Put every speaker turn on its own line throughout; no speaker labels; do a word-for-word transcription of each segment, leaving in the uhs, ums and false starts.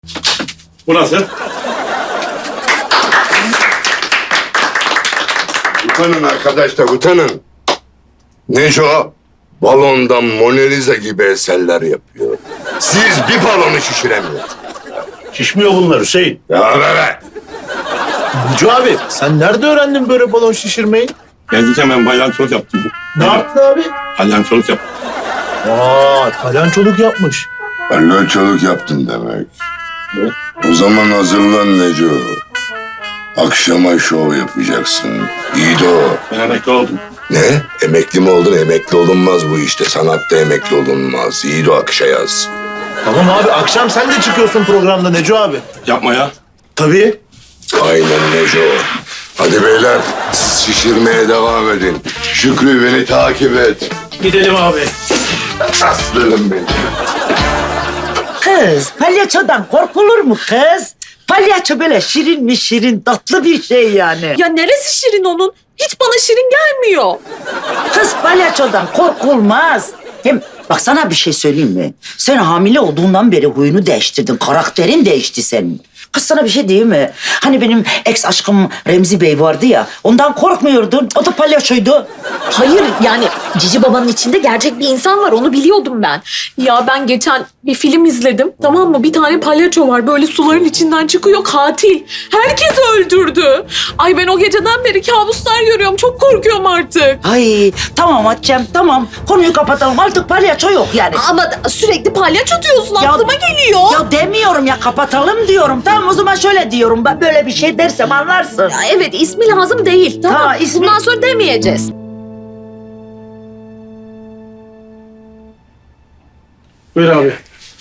Bu nasıl?
Utanın arkadaşlar, utanın. Neco, balondan Mona Lisa gibi eserler yapıyor. Siz bir balonu şişiremiyorsunuz.
Şişmiyor bunlar Hüseyin.
Ya be be.
Neco abi sen nerede öğrendin böyle balon şişirmeyi?
Geldikken ben baylançoluk yaptım.
Ne yaptın abi?
Baylançoluk yaptım.
Aa, palyançoluk yapmış.
Palyaçoluk yaptın demek. O zaman hazırlan Neco. Akşama şov yapacaksın. İyi de o.
Ben emekli oldum.
Ne? Emekli mi oldun? Emekli olunmaz bu işte. Sanatta emekli olunmaz. İyi de o akışa yaz.
Tamam abi akşam sen de çıkıyorsun programda Neco abi.
Yapma ya.
Tabii.
Aynen Neco. Hadi beyler, siz şişirmeye devam edin. Şükrü beni takip et.
Gidelim abi.
Aslanım benim.
Kız, palyaçodan korkulur mu kız? Palyaço böyle şirin mi şirin, tatlı bir şey yani.
Ya neresi şirin onun? Hiç bana şirin gelmiyor.
Kız palyaçodan korkulmaz. Hem bak sana bir şey söyleyeyim mi? Sen hamile olduğundan beri huyunu değiştirdin, karakterin değişti senin. Kız sana bir şey diyeyim mi? Hani benim ex aşkım Remzi Bey vardı ya, ondan korkmuyordun. O da palyaçoydu.
Hayır yani Cici Baba'nın içinde gerçek bir insan var, onu biliyordum ben. Ya ben geçen bir film izledim, tamam mı? Bir tane palyaço var, böyle suların içinden çıkıyor, katil. Herkes öldürdü. Ay ben o geceden beri kabuslar görüyorum, çok korkuyorum artık.
Ay tamam Hatice'm tamam. Konuyu kapatalım, artık palyaço yok yani.
Ama sürekli palyaço diyorsun,
Ya-
aklıma geliyor.
Ya demiyorum ya, kapatalım diyorum. Tamam o zaman şöyle diyorum. Ben böyle bir şey dersem anlarsın.
Ya evet, ismi lazım değil, tamam.
Ha, ismi-
Bundan sonra demeyeceğiz.
Buyur abi.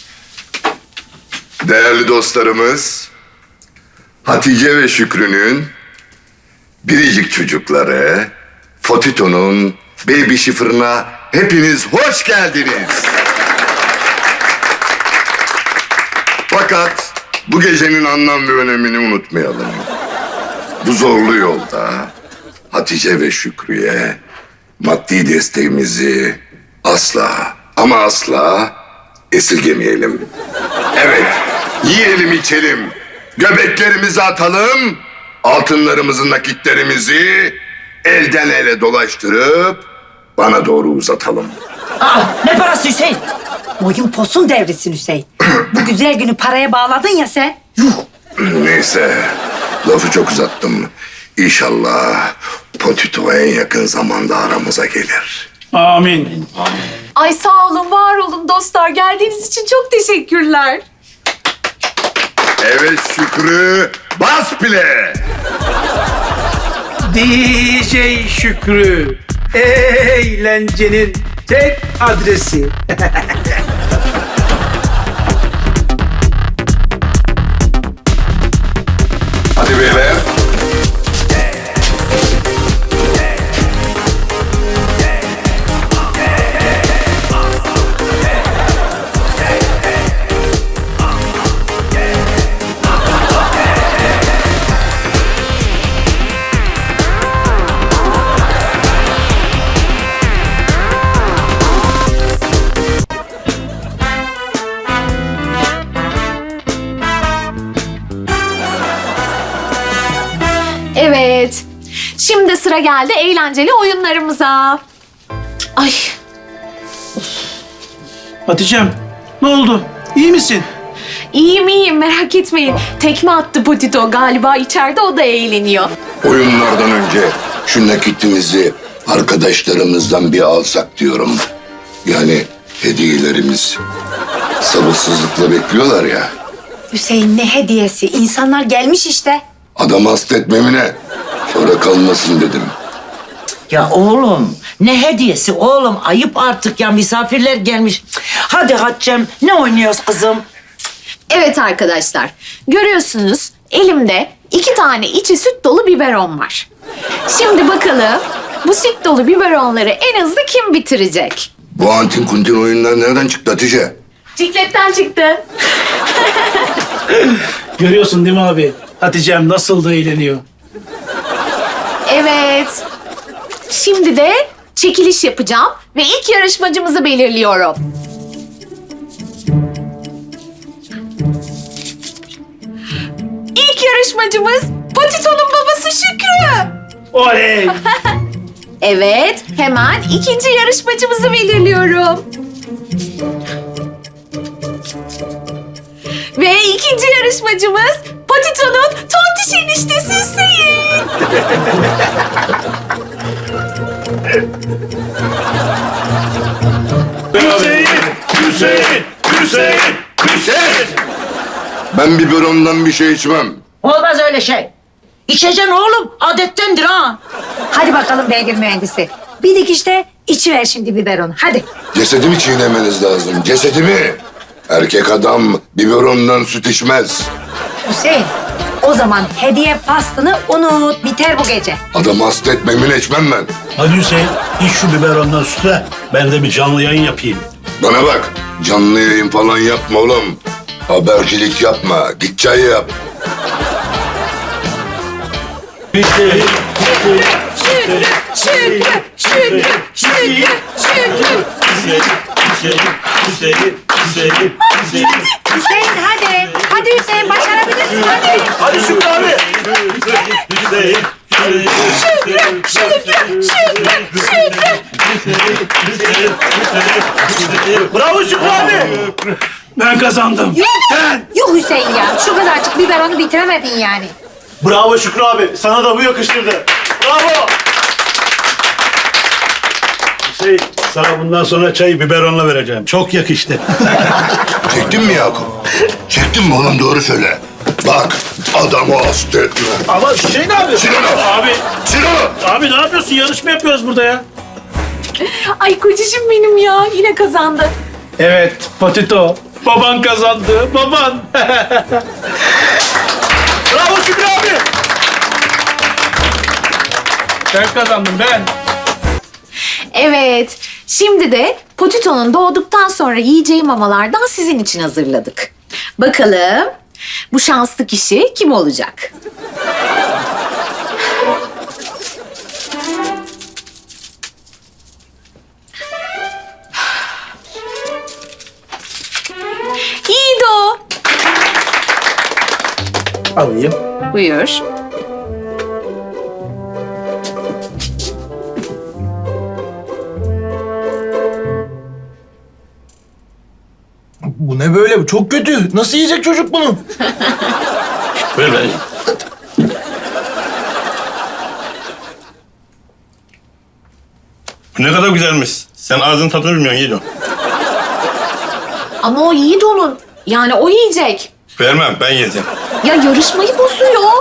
Değerli dostlarımız, Hatice ve Şükrü'nün biricik çocukları, Fotito'nun baby şifrına hepiniz hoş geldiniz. Fakat bu gecenin anlam ve önemini unutmayalım. Bu zorlu yolda Hatice ve Şükrü'ye maddi desteğimizi asla ama asla esirgemeyelim. Evet, yiyelim içelim, göbeklerimizi atalım, altınlarımızı, nakitlerimizi elden ele dolaştırıp bana doğru uzatalım.
Aa, ne parası Hüseyin?
Boyun posun devrisin Hüseyin. Bu güzel günü paraya bağladın ya sen.
Neyse, lafı çok uzattım. İnşallah Potito en yakın zamanda aramıza gelir.
Amin.
Ay sağ olun, var olun dostlar. Geldiğiniz için çok teşekkürler.
Evet Şükrü, bas bile!
D J Şükrü, eğlencenin tek adresi.
Hadi beyler.
Evet. Şimdi sıra geldi eğlenceli oyunlarımıza. Ay
Hatice'm, ne oldu? İyi misin?
iyiyim iyiyim, merak etmeyin. Tekme attı Potito, galiba içeride o da eğleniyor.
Oyunlardan önce şu nakitimizi arkadaşlarımızdan bir alsak diyorum. Yani hediyelerimiz sabırsızlıkla bekliyorlar ya.
Hüseyin ne hediyesi? İnsanlar gelmiş işte.
Adam hasta etmemine sonra kalmasın dedim.
Ya oğlum ne hediyesi oğlum, ayıp artık ya, misafirler gelmiş. Hadi Hatice'm ne oynuyoruz kızım?
Evet arkadaşlar, görüyorsunuz elimde iki tane içi süt dolu biberon var. Şimdi bakalım bu süt dolu biberonları en hızlı kim bitirecek?
Bu antin kuntin oyunlar nereden çıktı Hatice?
Cikletten çıktı.
Görüyorsun değil mi abi? Hatice'm nasıl da eğleniyor.
Evet. Şimdi de çekiliş yapacağım ve ilk yarışmacımızı belirliyorum. yarışmacımız Patito'nun babası Şükrü.
Oley!
Evet, hemen ikinci yarışmacımızı belirliyorum. Ve ikinci yarışmacımız Patito'nun tontiş eniştesi Hüseyin.
Hüseyin! Hüseyin! Hüseyin!
Hüseyin! Ben biberondan bir şey içmem.
Olmaz öyle şey. İçeceksin oğlum. Adettendir ha.
Hadi bakalım beygir mühendisi. Bir dikişte içiver şimdi biberonu. Hadi.
Cesedimi çiğnemeniz lazım. Cesedimi. Erkek adam biberondan süt içmez.
Hüseyin, o zaman hediye faslını unut. Biter bu gece.
Adamı hasta etmemin içmem ben.
Hadi Hüseyin, iç şu biberondan sütle. Ben de bir canlı yayın yapayım.
Bana bak. Canlı yayın falan yapma oğlum. Habercilik yapma. Git çay yap.
Hüseyin!
Şükrü, Şükrü, Şükrü, Şükrü, Şükrü.
Hüseyin hadi. Hadi Hüseyin başarabilirsin hadi.
Hadi Şükrü abi. Bravo Şükrü abi.
Ben kazandım. Ben.
Yuh Hüseyin ya. Şu kadarcık biberonu bitiremedin yani.
Bravo Şükrü abi. Sana da bu yakıştırdı. Bravo.
Hüseyin, sana bundan sonra çayı biberonla vereceğim. Çok yakıştı.
Çektin mi Yakup? Çektin mi oğlum doğru söyle. Bak adamı hasta etme.
Ama Hüseyin abi.
Sinan o.
Abi,
Sinan o.
abi ne yapıyorsun? Yarışma yapıyoruz burada ya.
Ay kocacığım benim ya, yine kazandı.
Evet, Patito. Baban kazandı, baban.
Bravo Şükrü abi.
Ben kazandım, ben.
Evet, şimdi de Potito'nun doğduktan sonra yiyeceği mamalardan sizin için hazırladık. Bakalım bu şanslı kişi kim olacak? Yiğido.
Alayım.
Buyur.
Bu ne böyle? Bu çok kötü. Nasıl yiyecek çocuk bunu?
Ver ver.
Ne kadar güzelmiş. Sen ağzının tadını bilmiyorsun Yiğido.
Ama o Yiğido'nun. Yani o yiyecek.
Vermem, ben yiyeceğim.
Ya yarışmayı bozuyor.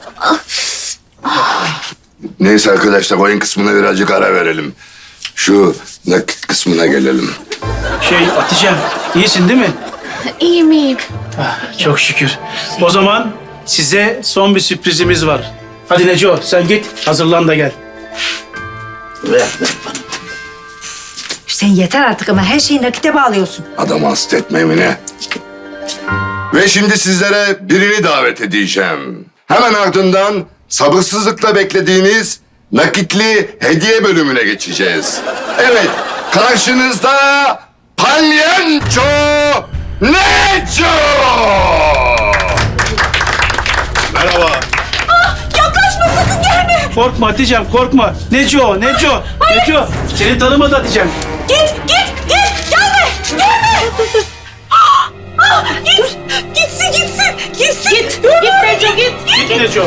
Neyse arkadaşlar oyun kısmına birazcık ara verelim. Şu nakit kısmına gelelim.
Şey Hatice'm, iyisin değil mi?
İyiyim iyiyim.
Ah, çok şükür. O zaman size son bir sürprizimiz var. Hadi Neco, sen git, hazırlan da gel. Ver, ver bana.
Hüseyin yeter artık ama her şeyi nakite bağlıyorsun.
Adamı hasta etme Emine. Ve şimdi sizlere birini davet edeceğim. Hemen ardından sabırsızlıkla beklediğiniz nakitli hediye bölümüne geçeceğiz. Evet, karşınızda Palyanço Neco!
Merhaba.
Yaklaşma sakın gelme.
Korkma Hatice'm, korkma. Neco, Neco, Neco. Seni tanımadı Hatice'm.
Git git git gelme gelme. Ah, ah, git gitsin gitsin gitsin. Git git Neco git.
Git Neco.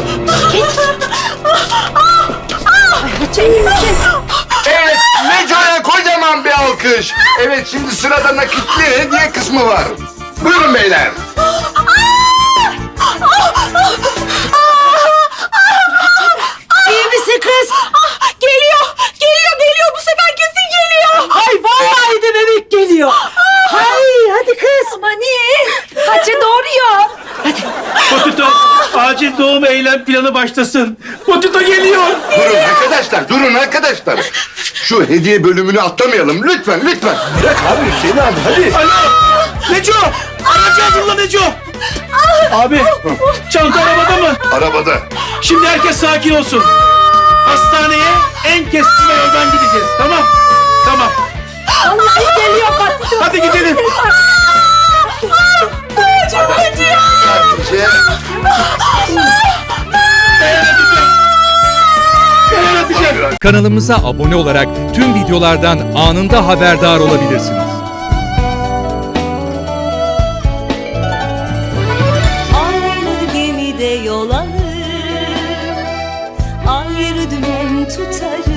Evet, Neco'ya kocaman bir alkış. Evet, şimdi sırada nakitli hediye kısmı var. Buyurun beyler.
İyi misin kız?
Ah, geliyor geliyor geliyor bu sefer kesin geliyor.
Ay vallahi de bebek geliyor. Hay hadi kız.
Aman iyi. Kaçı doğuruyor.
Potito, acil doğum eylem planı başlasın. Potito geliyor.
Durun arkadaşlar, durun arkadaşlar. Şu hediye bölümünü atlamayalım lütfen, lütfen.
Bırak abi Hüseyin abi hadi.
Alo, Neco. Aracı hazırla Neco. Abi, çanta arabada mı?
Arabada.
Şimdi herkes sakin olsun. Hastaneye en keskin yoldan gideceğiz, tamam? Tamam.
Allah geliyor Patito.
Hadi gidelim.
Çok acıyor.
Hatice.
Kanalımıza abone olarak tüm videolardan anında haberdar olabilirsiniz.
Aynı gemide yol alır, ayrı dümen tutarız.